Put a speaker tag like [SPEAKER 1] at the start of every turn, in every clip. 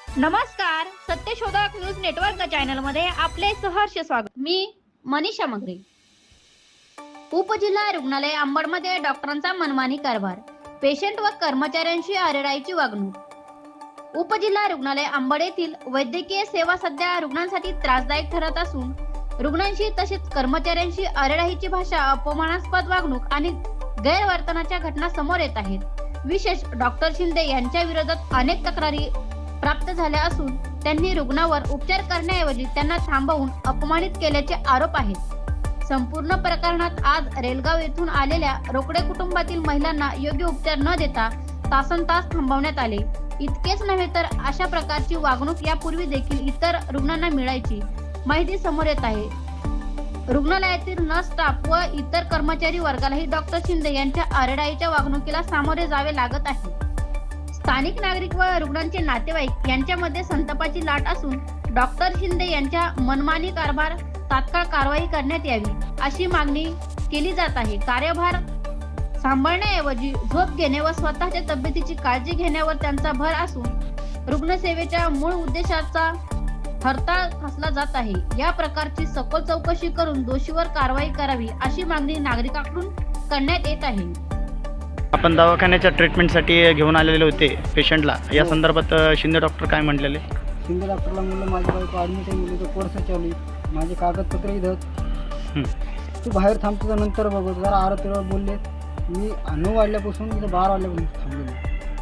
[SPEAKER 1] नमस्कार, सत्यशोधक news network channel मध्ये आपले सहर्ष स्वागत। मी मनीषा मगरे। उपजिल्हा रुग्णालय अंबडमध्ये डॉक्टरांचा मनमानी कारभार, पेशंट व कर्मचाऱ्यांशी आरेराईची वागणूक। उपजिल्हा रुग्णालय अंबड येथील वैद्यकीय सेवा सध्या रुग्णांसाठी त्रासदायक ठरत असून रुग्णांशी तसेच कर्मचाऱ्यांशी आरेराईची भाषा, अपमानास्पद वागणूक आणि गैरवर्तनाच्या घटना समोर येत आहेत। विशेष डॉक्टर शिंदे यांच्या विरोधात अनेक तक्रारी प्राप्त झाल्या असून त्यांनी रुग्णावर उपचार करण्याऐवजी त्यांना थांबवून अपमानित केल्याचे आरोप आहेत। संपूर्ण प्रकरणात आज रेलगाव येथून आलेल्या रोकडे कुटुंबातील महिलांना योग्य उपचार न देता तासनतास थांबवण्यात आले। इतकेच नव्हे तर अशा प्रकारची वागणूक यापूर्वी देखील इतर रुग्णांना मिळायची माहिती समोर येत आहे। रुग्णालयातील नर्स स्टाफ व इतर कर्मचारी वर्गालाही डॉक्टर शिंदे यांच्या आरेराईच्या वागणुकीला सामोरे जावे लागत आहे। स्थानिक नागरिक व रुग्णांचे नातेवाईक यांच्यामध्ये संतापाची लाट असून डॉक्टर शिंदे यांच्या मनमानी कारभार तात्काळ कारवाई करण्यात यावी अशी मागणी केली जात आहे। कार्यभार सांभाळण्याऐवजी झोप घेणे व स्वतःच्या तब्येतीची काळजी घेण्यावर त्यांचा भर असून रुग्णसेवेच्या मूळ उद्देशाचा हरताळ फासला जात आहे। या प्रकारची सखोल चौकशी करून दोषीवर कारवाई करावी अशी मागणी नागरिकांकडून करण्यात येत आहे।
[SPEAKER 2] आपण दवाखान्याच्या ट्रीटमेंटसाठी घेऊन आलेले होते पेशंटला, या संदर्भात शिंदे डॉक्टर काय म्हटलेले?
[SPEAKER 3] शिंदे डॉक्टरला म्हणलं माझी बायको ॲडमिट आहे, मुलीचं कोर्स चालू आहे, माझे कागदपत्र इथं तू बाहेर थांबतो नंतर बघू। जरा आरोग्यावर बोलले, मी 9 वाजल्यापासून इथं 12 वाजल्यापासून थांबलेलो।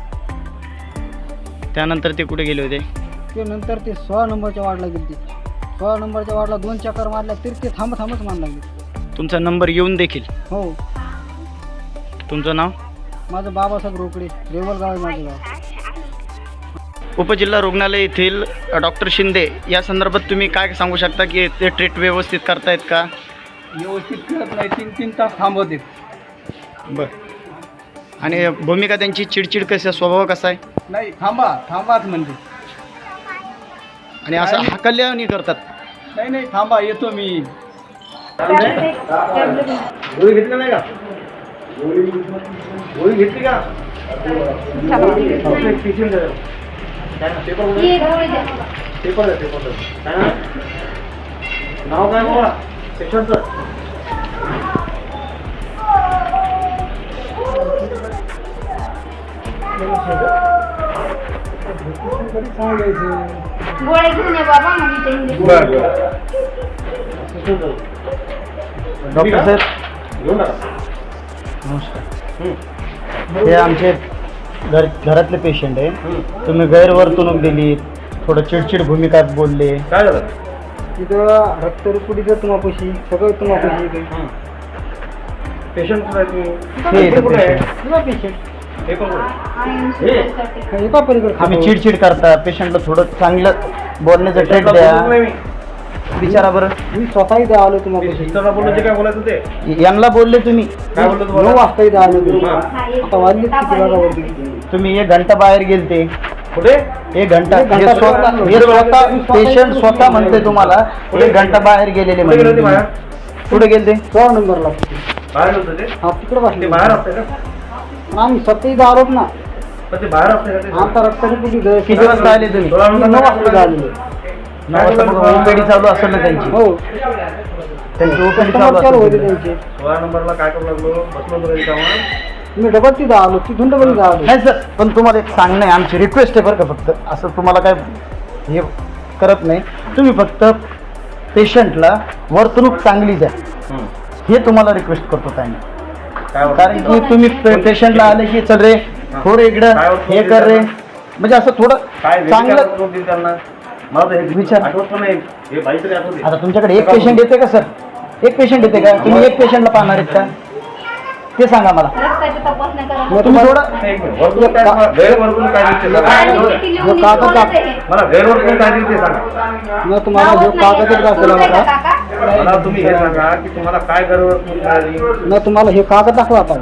[SPEAKER 2] त्यानंतर ते कुठे गेले होते?
[SPEAKER 3] ते नंतर ते 16 नंबरच्या वार्डला गेले। 16 नंबरच्या वार्डला 2 चक्कर मारल्या तरी ते थांबच मान लागले।
[SPEAKER 2] तुमचा नंबर येऊन देखील?
[SPEAKER 3] हो।
[SPEAKER 2] तुमचं नाव?
[SPEAKER 3] माझं बाबासाहेब रोकडे, रेवलगाव आहे माझं गाव।
[SPEAKER 2] उपजिल्हा रुग्णालय येथील डॉक्टर शिंदे या संदर्भात तुम्ही काय सांगू शकता की ते ट्रीट व्यवस्थित करतायत का?
[SPEAKER 3] व्यवस्थित करत नाही, 3-3 तास थांबवते।
[SPEAKER 2] बरं, आणि भूमिका त्यांची चिडचिड कशी, स्वभाव कसा आहे?
[SPEAKER 3] नाही, थांबाच म्हणते,
[SPEAKER 2] आणि असं हाकल्याने करतात?
[SPEAKER 3] नाही थांबा, येतो मी।
[SPEAKER 2] गोळी घेतली नाही का? गोळी घेतली का? नाव काय बाबा पेशंटचं?
[SPEAKER 1] गोळ्या घेऊन ये बाबा,
[SPEAKER 2] डॉक्टर साहेब नमस्कार। हे आमचे घरातले पेशंट आहे। तुम्ही गैरवर्तणूक दिली, थोडं चिडचिड भूमिका बोलले, काय झालं?
[SPEAKER 3] तिथं रक्तरुपडीचं तुम्हापाशी सगळं तुम्हापाशी
[SPEAKER 2] पेशंट
[SPEAKER 3] एका पलीकडे
[SPEAKER 2] आम्ही चिडचिड करता, पेशंटला थोडं चांगलं बोलण्याचं ट्रीट द्या, विचारा बरं।
[SPEAKER 3] मी स्वतः इथे आलो तुम्हाला।
[SPEAKER 2] काय बोलायचं ते यांना बोलले तुम्ही?
[SPEAKER 3] काय बोललो? 9 वाजता इथे आलो तुम्ही, आता वाजले किती वाजता?
[SPEAKER 2] तुम्ही 1 घंटा बाहेर गेलते। कुठे? 1 घंटा?
[SPEAKER 3] हे
[SPEAKER 2] स्वतः पेशंट स्वतः म्हणते तुम्हाला 1 घंटा बाहेर गेलेले म्हणजे कुठे गेलते?
[SPEAKER 3] 16 नंबरला
[SPEAKER 2] बाहेर होते ते?
[SPEAKER 3] हा, तिकडे बसले।
[SPEAKER 2] बाहेर असते का?
[SPEAKER 3] आम्ही स्वतः इथे आलोच ना।
[SPEAKER 2] ते बाहेर असते का?
[SPEAKER 3] आता रक्तरुपडी
[SPEAKER 2] किती वाजता आले तुम्ही?
[SPEAKER 3] 9 वाजता आलेलो।
[SPEAKER 2] 9 वाजता ओपीडी चालू असेल ना त्यांची?
[SPEAKER 3] हो,
[SPEAKER 2] त्यांची ओपीडी
[SPEAKER 3] चालू होते त्यांचे।
[SPEAKER 2] 16 नंबरला काय करू लागलो? बसलो होतो
[SPEAKER 3] मी डबल तिथं आलो, तिथून डबल इथं आलो।
[SPEAKER 2] नाही सर, पण तुम्हाला एक सांगणं आहे, आमची रिक्वेस्ट आहे बरं का, फक्त असं तुम्हाला काय हे करत नाही, तुम्ही फक्त पेशंटला वर्तणूक चांगली द्या, हे तुम्हाला रिक्वेस्ट करतो ताई। कारण की तुम्ही पेशंटला आले की चल रे थोडं इकडं हे कर रे, म्हणजे असं थोडं चांगलं विचार। आता तुमच्याकडे एक पेशंट येते का सर? एक पेशंट येते का? तुम्ही एक पेशंटला पाहणार आहेत का ते सांगा मला। तुम्ही थोडं
[SPEAKER 3] मग तुम्हाला जो कागद दाखवला मला,
[SPEAKER 2] तुम्ही हे सांगा की तुम्हाला काय गरज?
[SPEAKER 3] मग तुम्हाला हे कागद दाखवा आता।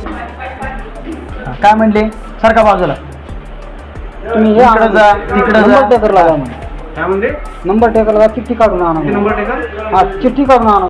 [SPEAKER 2] काय म्हणले? सारखा बाजूला
[SPEAKER 3] तुम्ही हे
[SPEAKER 2] इकडे जा, तिकडे जा।
[SPEAKER 3] नंबर टेकर लावा,
[SPEAKER 2] काय म्हणते?
[SPEAKER 3] नंबर टेकर लावा, चिठ्ठी काढून आणा।
[SPEAKER 2] नंबर टेकर?
[SPEAKER 3] हा, चिठ्ठी काढून आणा।